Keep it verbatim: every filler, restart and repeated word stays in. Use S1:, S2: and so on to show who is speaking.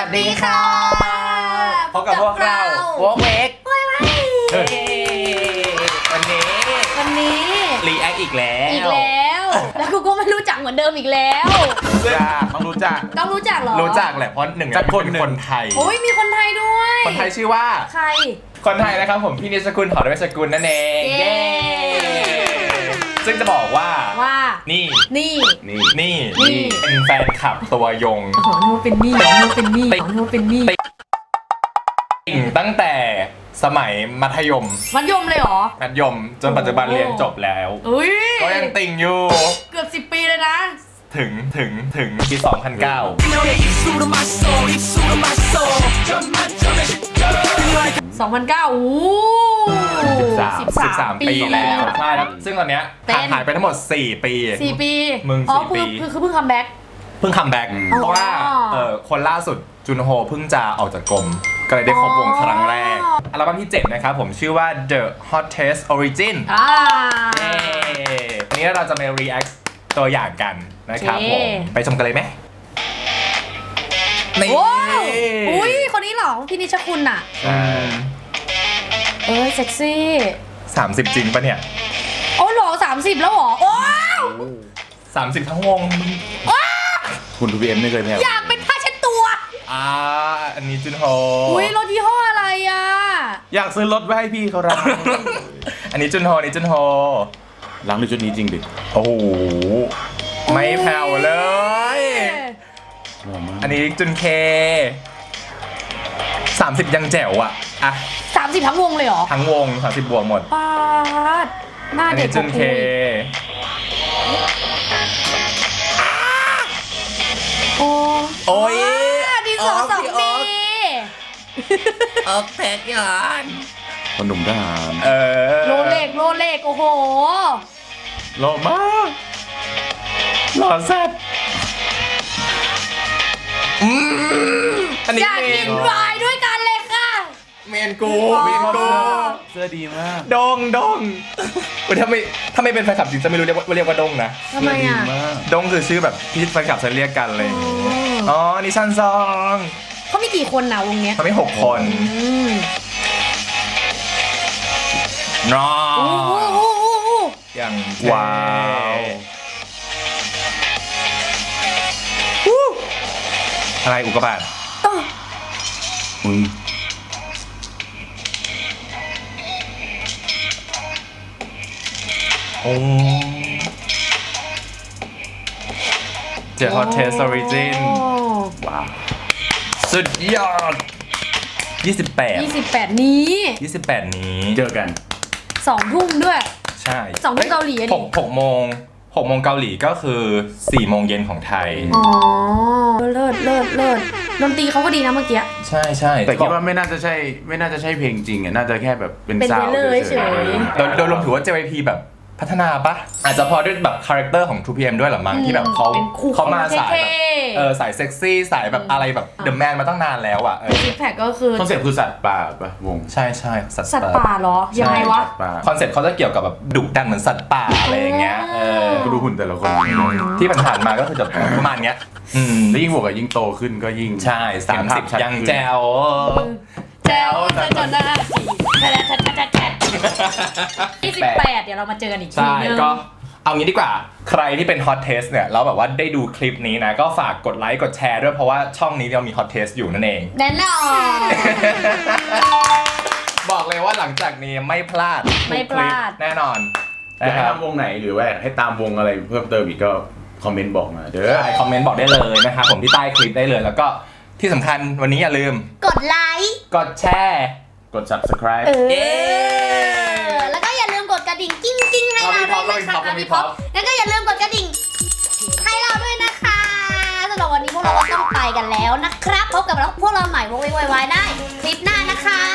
S1: วัสดีค่ะพบกับพวกเราวอล์กเวกวันนี้
S2: วันนี้
S1: รีแอคอีกแล้ว
S2: อีกแล้วแล้วกูก็ไม่รู้จักเหมือนเดิมอีกแล้ว
S1: ต้องรู้จัก
S2: ต้องรู้จักเหรอ
S1: รู้จักแหละเพราะหนึ่งจากคนคนไทย
S2: โอ้ยมีคนไทยด้วย
S1: คนไทยชื่อว่า
S2: ใคร
S1: คนไทยนะครับผมพี่นิชกุลหอดเวชกุลนั่นเองเย้ซึ่งจะบอกว่า
S2: ว่า
S1: นี่
S2: นี่
S1: นี่นี่นี่เป็นแฟนคลับตัวยง
S2: อ๋อนึกว่าเป็นนี่นึกว่าเป็นนี่นึกว่าเป็นนี่
S1: ตั้งแต่สมัยมัธยม
S2: มัธยมเลยเหรอ
S1: มัธยมจนปัจจุบันเรียนจบแล้วก็ยังติ่งอยู่
S2: เกือบสิบปีเลยนะ
S1: ถึงถึงถึงปีสองพันเก้า
S2: สองพันเก้าโอ้
S1: สิบสามสิบสามปีแล้วใช่แล้วซึ่งตอนเนี้ยห่างหายไปทั้งหมดสี่ปี
S2: สี่ปี
S1: มึงสี่ปี
S2: คือคือเพิ่งคัมแบ็ก
S1: เพิ่งคัมแบ็กเพราะว่าเออคนล่าสุดจุนโฮเพิ่งจะออกจากกรมก็เลยได้ครบวงครั้งแรกอัลบั้มที่เจ็ดนะครับผมชื่อว่า The Hottest Origin
S2: อ่า
S1: วันนี้เราจะมา react ตัวอย่างกันนะครับผมไปชมกันเลยไหม
S2: นี่อุ้ยคนนี้เหรอพี่นิชคุณอ่ะเออเซ็กซี่
S1: สามสิบจริงปะเนี่ย
S2: โอ้หรอสามสิบแล้วหรอโอ้
S1: สามสิบทั้งวง
S3: คุณทูบีเอ็มไม่เคยแพ้
S2: อยากเป็นผ้าเช็ดตัว
S1: อ่าอันนี้จุนโฮ
S2: อุ้ยรถยี่ห้ออะไรอ่ะ
S3: อยากซื้อรถไว้ให้พี่เขารัก
S1: อันนี้จุนโฮอันนี้จุนโฮ
S3: ล้างในชุดนี้จริงดิ
S1: โอ้โหไม่แผ่วเลยอันนี้จุนเคสามสิบยังแจ๋วอ่ะอ่ะ
S2: สามสิบทั้งวงเลยเหรอ
S1: ทั้งวงสามสิบบวกหมด
S2: ปาดหน้าเด็ก
S1: จุนเค
S2: โอ้
S1: โอ้ย
S2: ดีสองสองปี
S1: ออกแพกยาน
S3: คนหนุ่มทหาร
S1: เออ
S2: โลเล็กโลเล็กโอ้โห
S1: หล่อมากหล่อแซ่บ
S2: อยากกินวายด้วยกันเลยค่ะ
S1: เมนกูเมนกู
S3: เสื้อดีมาก
S1: ดงดงถ้าไม่ถ้าไม่เป็นแฟนคลับจริงจะไม่รู้เรียกว่าเรียกว่าดงนะ
S2: ทำไมอ่ะ
S1: ดงคือชื่อแบบที่แฟนคลับจะเรียกกันเลยอ๋อนิชันซอง
S2: เขามีกี่คนนะวงเนี้ย
S1: เขามีหกคนนออย่างว้าวอะไรอุกกาบาต
S3: มึง
S1: โอ้ The Hottest Origin ว้าวสุดยอดยี่สิบแปด
S2: ยี่สิบแปดนี้
S1: ยี่สิบแปดนี้
S3: เจอกัน
S2: สองทุ่มด้วย
S1: ใช่
S2: สองทุ่มเกาหลี
S1: หกหกโมงหกโมงเกาหลีก็คือสี่โมงเย็นของไทย
S2: อ๋อเลิศเลิศเลิศดนตรีเขาก็ดีนะเมื่อกี้
S1: ใช่ใช่
S3: แต่คิดว่าไม่น่าจะใช่ไม่น่าจะใช่เพลงจริงอ่ะน่าจะแค่แบบเป็นซาวด์
S2: เฉย
S1: ๆโดยโดยรวมถือว่า เจ วาย พี แบบพัฒนาปะอาจจะพอด้วยแบบคาแรคเตอร์ของ ทู พี เอ็ม ด้วยหรอมั้งที่แบบเขาเขามาสายแบบเออสายเซ็กซี่สายแบบอะไรแบบเดอะแมนมาตั้งนานแล้วอ่ะ
S2: ซิกแพคก็คือ
S3: คอนเซ็ปต์คือสัตว์ป่าปะวง
S1: ใช่ใช่
S2: สัตว์ป่าเหรอยังไงวะ
S1: คอนเซ็ปต์เขาจะเกี่ยวกับแบบดุดันเหมือนสัตว์ป่าอะไรอย่างเงี้ยเออ
S3: ดูหุ่นแต่ละคน
S1: ที่ผ่านมาก็คือจะประมาณเนี้ย
S3: อืมแล้วยิ่งบวกกับยิ่งโตขึ้นก็ยิ่ง
S1: ใช่สามสิบยังแจ๋ว
S2: แจ๋วจนจนหน้าสียี่สิบแปดเดี๋ยวเรามาเจอกันอีกทีนึง
S1: ก็เอางี้ดีกว่าใครที่เป็น Hot Taste เนี่ยแล้วแบบว่าได้ดูคลิปนี้นะก็ฝากกดไลค์กดแชร์ด้วยเพราะว่าช่องนี้เรามี Hot Taste อยู่นั่นเอง
S2: แน่นอน
S1: บอกเลยว่าหลังจากนี้ไม่พลาด
S2: ไม่พลาด
S1: แน่นอน
S3: อยากให้ตามวงไหนหรือว่าให้ตามวงอะไรเพิ่มเติมอีกก็คอมเมนต์บอกมาเด้อ
S1: ใช่คอมเมนต์บอกได้เลยนะครับผมที่ใต้คลิปได้เลยแล้วก็ที่สำคัญวันนี้อย่าลืม
S2: กดไลค์
S1: กดแชร์
S3: กด Subscribe
S2: เออแล้วก็อย่าลืมกดกระดิ่งกิ้งกิ้งให้เราด้วยนะคะพี่พ็อปแล้วก็อย่าลืมกดกระดิ่งให้เราด้วยนะคะสำหรับวันนี้พวกเราก็ต้องไปกันแล้วนะครับพบกับพวกเราใหม่วงไวๆได้คลิปหน้านะคะ